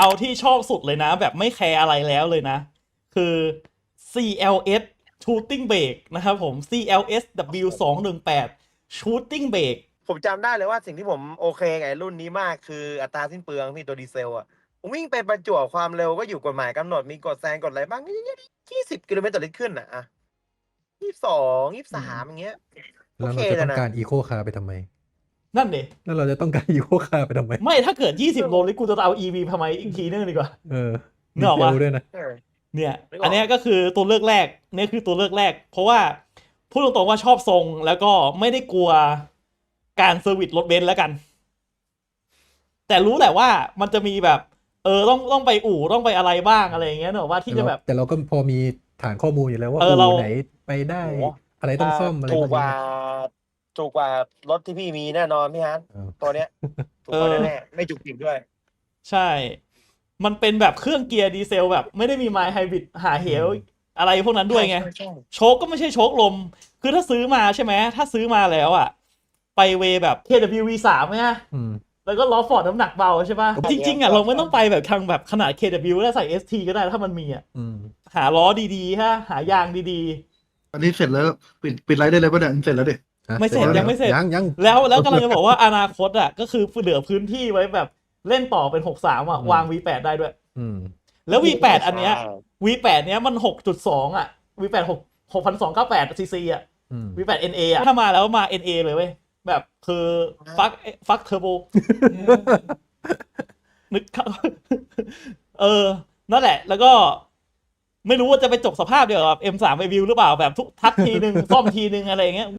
เอาที่ชอบสุดเลยนะ แบบไม่แคร์อะไรแล้วเลยนะ คือ CLS Shooting Brake นะครับผม CLS W218 Shooting Brake ผมจำได้เลยว่าสิ่งที่ผมโอเคกับไอ้รุ่นนี้มากคืออัตราสิ้นเปลืองพี่ตัวดีเซลอ่ะผมวิ่งไปประจวบความเร็วก็อยู่กฎหมายกำหนดมีกดแซงกดอะไรบ้าง20 กิโลเมตรต่อลิตรขึ้นอ่ะ22 23อย่างเงี้ยโอแล้วเคเราจะเลต้ยองนะการอีโคคาร์ไปทำไมนั่นดิแล้วเราจะต้องการอีโคคาร์ไปทำไมไม่ถ้าเกิด 20 โลลิตรกูจะเอา EV ทำไมอีกทีนึงดีกว่าเออนึดีกออกเซปะลด้วยนะเออเนี่ยนึกออกอันเนี้ยก็คือตัวเลือกแรกเนี่ยคือตัวเลือกแรก เพราะว่าพูดตรงๆว่าชอบทรงแล้วก็ไม่ได้กลัวการเซอร์วิสรถเบนซ์แล้วกัน แต่รู้แหละว่ามันจะมีแบบ ต้องไปอู่ต้องไปอะไรบ้างอะไรอย่างเงี้ยเนอะว่าที่จะแบบแต่เราก็พอมีฐานข้อมูลอยู่แล้วว่าเราอู่ไหนไปได้โอ้โหอะไรต้องซ่อมอะไรถูพกวกกนี้ว่าถูกกว่ารถที่พี่มีแน่นอนพี่ฮันเออตัวเนี้ยถูกกว่าแน่ๆไม่จุกจิกด้วยใช่ มันเป็นแบบเครื่องเกียร์ดีเซลแบบไม่ได้มีไมล์ไฮบริดหาเหวอะไรพวกนั้นด้วยไงใช่โชคก็ไม่ใช่โชคลม คือถ้าซื้อมาใช่ไหม ถ้าซื้อมาแล้วอ่ะ ไปเวแบบ KWV3 ไหมฮะอืมแล้วก็ล้อฟอร์ดน้ำหนักเบาใช่ป่ะใช่จริงๆอ่ะเราไม่ต้องไปแบบทางแบบขนาด KW แล้วใส่ ST ก็ได้ถ้ามันมีอ่ะอืมหาล้อดีๆฮะหายางดีอันนี้เสร็จแล้วปิดไลฟ์ได้เลยป่ะเนี่ยเสร็จแล้วดิไม่เสร็จยังไม่เสร็จยังๆ แล้วกำลังจะบอกว่าอนาคตอ่ะก็คือเหลือพื้นที่ไว้แบบเล่นต่อเป็น 63 อ่ะ วาง V8 ได้ด้วยอืมแล้ว V8 อันเนี้ยใช่ V8 เนี้ยมัน 6.2 อ่ะ V8 6,298 cc อ่ะอืม V8 NA อ่ะ ถ้ามาแล้วมา NA เลยเว้ย แบบคือฟักเทอร์โบ นึกเข้า นั่นแหละ แล้วก็ไม่รู้ว่าจะไปจบสภาพเดียวกับ M3 Review หรือเปล่าแบบทุกทักทีนึง ซ่อมทีนึงอะไรอย่างเงี้ย